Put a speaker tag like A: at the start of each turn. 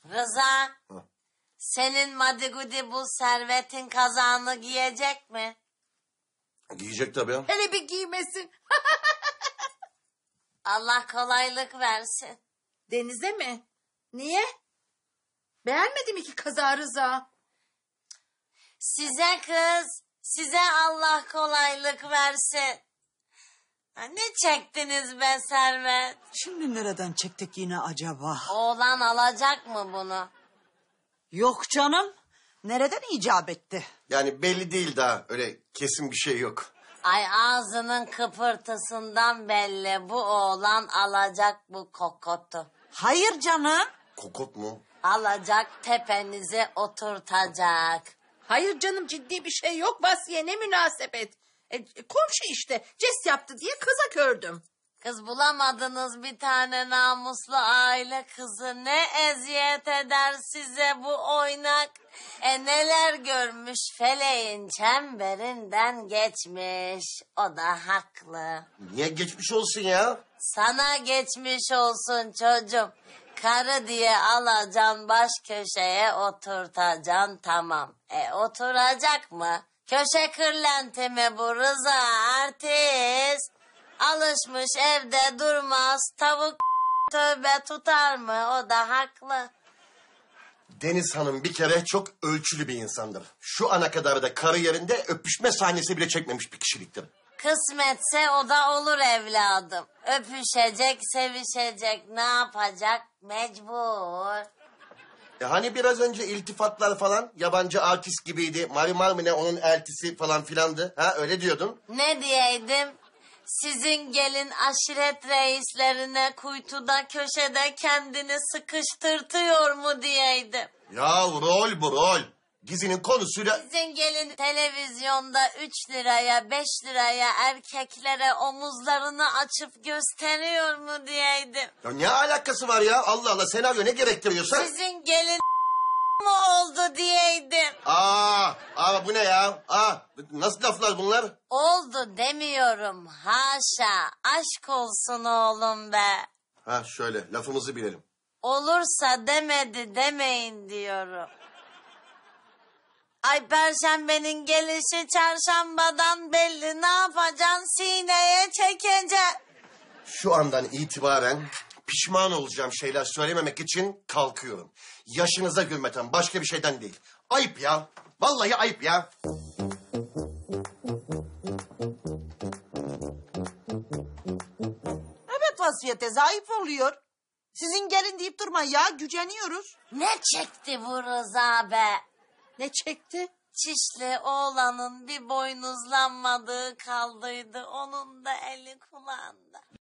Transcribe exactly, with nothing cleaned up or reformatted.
A: Rıza,
B: Hı.
A: senin Madigudi bu servetin kazağını giyecek mi?
B: Giyecek tabii.
C: Hele bir giymesin.
A: Allah kolaylık versin.
C: Denize mi? Niye? Beğenmedi mi ki kaza Rıza?
A: Size kız, size Allah kolaylık versin. Ha, ne çektiniz be Servet?
D: Şimdi nereden çektik yine acaba?
A: Oğlan alacak mı bunu?
D: Yok canım. Nereden icap etti?
B: Yani belli değil daha. Öyle kesin bir şey yok.
A: Ay ağzının kıpırtısından belli, bu oğlan alacak bu kokotu.
D: Hayır canım.
B: Kokot mu?
A: Alacak, tepenize oturtacak.
C: Hayır canım, ciddi bir şey yok Vasfiye, ne münasebet. E, komşu işte jest yaptı diye kıza kördüm.
A: Kız bulamadınız bir tane namuslu aile kızı. Ne eziyet eder size bu oynak. E neler görmüş, feleğin çemberinden geçmiş. O da haklı.
B: Niye geçmiş olsun ya?
A: Sana geçmiş olsun çocuğum. Karı diye alacaksın, baş köşeye oturtacaksın, tamam. E oturacak mı? Köşe kırlenti mi bu Rıza, artist? Alışmış evde durmaz, tavuk tövbe tutar mı? O da haklı.
B: Deniz Hanım bir kere çok ölçülü bir insandır. Şu ana kadar da karı yerinde öpüşme sahnesi bile çekmemiş bir kişiliktir.
A: Kısmetse o da olur evladım. Öpüşecek, sevişecek, ne yapacak? Mecbur.
B: E hani biraz önce iltifatlar falan yabancı artist gibiydi. Marimar mı ne onun eltisi falan filandı. Ha öyle diyordun.
A: Ne diyeydim? Sizin gelin aşiret reislerine kuytuda köşede kendini sıkıştırtıyor mu diyeydim.
B: Ya rol bu rol. Dizinin konusuyla...
A: Sizin gelin televizyonda üç liraya beş liraya erkeklere omuzlarını açıp gösteriyor mu diyeydim.
B: Ya ne alakası var ya? Allah Allah, senaryo ne gerektiriyorsa...
A: Sizin gelin mu oldu diyeydim.
B: Aa, aa bu ne ya? Aa, nasıl laflar bunlar?
A: Oldu demiyorum, haşa, aşk olsun oğlum be.
B: Ha şöyle lafımızı bilelim.
A: Olursa demedi demeyin diyorum. Ay perşembenin gelişi çarşambadan belli, ne yapacaksın, sineye çekeceksin.
B: Şu andan itibaren pişman olacağım şeyler söylememek için kalkıyorum. Yaşınıza gülmeten başka bir şeyden değil. Ayıp ya. Vallahi ayıp ya.
D: Evet Vasfiye teyze, ayıp oluyor. Sizin gelin deyip durma ya, güceniyoruz.
A: Ne çekti bu Rıza be?
C: Ne çekti?
A: Çişli oğlanın bir boynuzlanmadığı kaldıydı, onun da eli kulağında.